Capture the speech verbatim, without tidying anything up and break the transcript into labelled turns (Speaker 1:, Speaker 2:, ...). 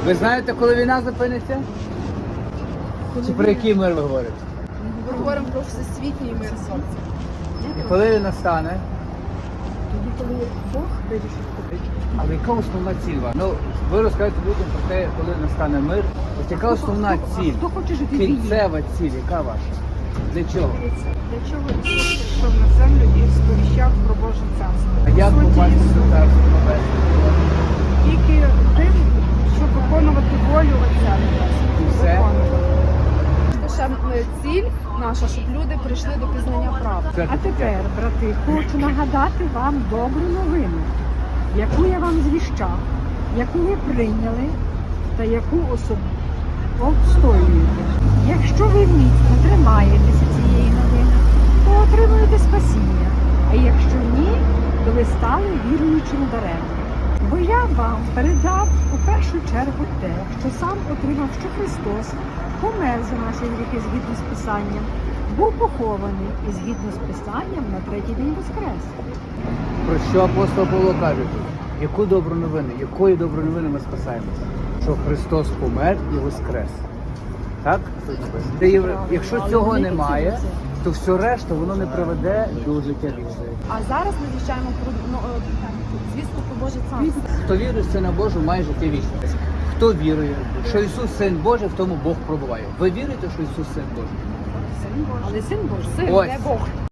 Speaker 1: Ви знаєте, коли війна зупиниться? Чи про який мир ви говорите?
Speaker 2: Ми говоримо про всесвітній мир.
Speaker 1: І коли він настане?
Speaker 2: Тоді, коли Бог вирішить купити.
Speaker 1: Але яка основна ціль ваша? Ну, ви розкажете людям про те, коли настане мир. Ось яка основна ціль?
Speaker 3: Хто хоче жити в війні?
Speaker 1: Кінцева ціль, яка ваша? Для чого?
Speaker 2: Для чого Ісус прийшов на землю і сповіщав про Боже царство?
Speaker 1: А як
Speaker 2: По суті,
Speaker 1: попасти
Speaker 2: Ісус
Speaker 1: до царства небесного?
Speaker 2: тільки тим, щоб виконувати волю Отця.
Speaker 1: І все?
Speaker 2: Ще ціль наша, щоб люди прийшли до пізнання правди.
Speaker 3: А тепер, брати, хочу нагадати вам добру новину, яку я вам звіщав, яку ви прийняли та яку особу обстоюєте. Якщо ви міцно тримаєтеся цієї новини, то отримуєте спасіння, а якщо ні, то ви стали віруючим даремно. Бо я вам передав у першу чергу те, що сам отримав, що Христос помер за наші гріхи згідно з Писанням, був похований і згідно з Писанням на третій день воскрес.
Speaker 1: Про що апостол Павло каже тут? Яку добру новину? Якої доброї новини ми спасаємося? Що Христос помер і воскрес. Так? Де є- Якщо цього немає, то все решта воно не приведе до життя вічного.
Speaker 2: А зараз ми звіщаємо про ну, е, звістку про Боже царство.
Speaker 1: Хто вірує в Сина Божого, має життя вічне. Хто вірує, що Ісус Син Божий, в тому Бог пробуває. Ви вірите, що Ісус Син Божий?
Speaker 2: Син Божий.
Speaker 3: Але Син Божий.
Speaker 2: Син,
Speaker 1: Ось.
Speaker 2: не Бог.